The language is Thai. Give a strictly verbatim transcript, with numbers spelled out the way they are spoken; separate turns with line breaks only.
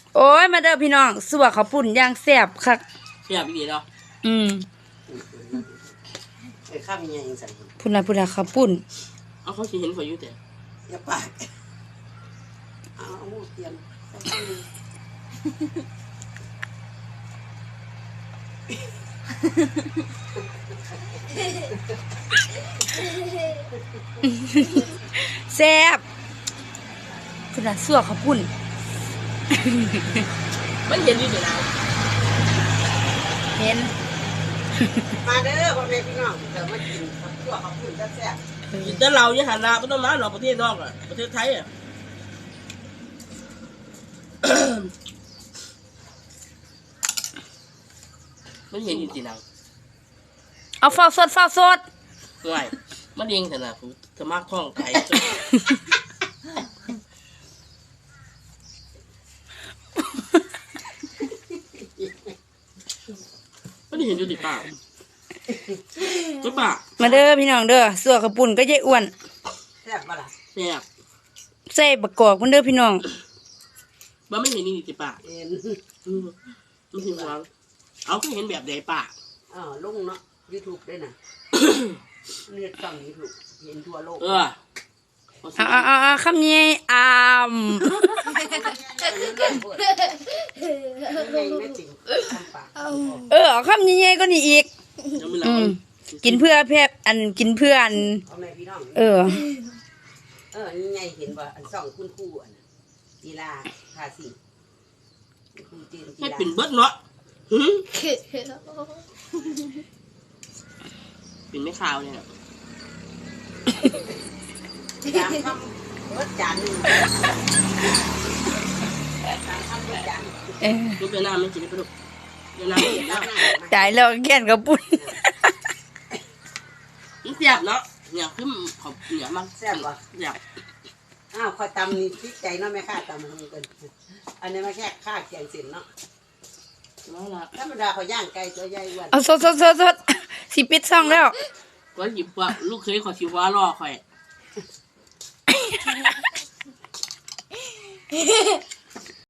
โอ้ยมาเด้อพี่น้องสัวข้าวปุ่นย่างแซ่บคัก
แซ่บอีหลีเนาะ
อืม
ไอ้ข้าวมีอย่างใส่
พุ่นน่ะพุ่นน่ะข้าวปุ่น
เอาเขาสิเห็นข่อยอยู่แต่
อย่าปากเอาเอาหมูเทียม
แซ่บพุ่นน่ะสัวข้าวปุ่น
มันเห็นอยู่แต่เรา
เห็น
มาเด้อพ่อแม่พี่น้องเดี๋ยวมากินข้าวคั่วข้าวปุ้นแซ่บ
กินแต่เราเนี่ยหันหน้าไม่ต้องมาหรอกประเทศนอกอ่ะประเทศไทยอ่ะมันเห็นอยู่ที่เรา
เอาฟ้าสดฟ้าสด
ง่ายมันเองแต่ละผมจะมากท่องไก่มันเห็นอยู่ที่ปากก็ปาก
มาเด้อพี่น้องเด้อสัวข้าวปุ่นก็ยายอ้วน
แซ่บปะล่ะ
แซ่บ
ใส่บักกอกมันเด้อพี่น้อง
บ้าไม่เห็นนี่ที่ปาก
เห็น
ไม่เห็นหวังเอาก็เห็นแบบใดปาก
อ๋อลงเนาะยูทูบด้วยนะเลือดสั่งยูทูบเห็นทั่วโลก
เออ
อ่าอ่าอ่าคำนี้อามเออคำนี้ไงก็นี่อีกอืมกินเพื่อแพทย์อันกินเพื่ออันเออ
เออนี่ไงเห็นว่าอันสองคุณครูอันกีฬาภาษีครูจีนกีฬา
ให้เป็นเบิดเนาะเป็นไม่ข่าวเนี่ย
จานทำรถจานหนึ่งจานทำรถจาน
เออ
ลูกเดือนหน้าไม่กินปลาดุกเดือนหน้าไม่กินแล้ว
ตายแล้วแก่นกับปุ้น
มันเสียบเนาะเนี่ยขึ้นขอบเหนียวมาก
แซ่บวะ
เสียบ
อ้าวคอยตำนี่พริกใจเนาะแม่ข้าตำมันกันอันนี้มาแค่ข้าแกงเส้นเนาะธรรมดาเขาย่างไก่ตัวใหญ่วัน
เอาสดสดสดสดสิปิดซ่องแล้ว
ก็หยิบว่าลูกเคยขอชิว่ารอคอย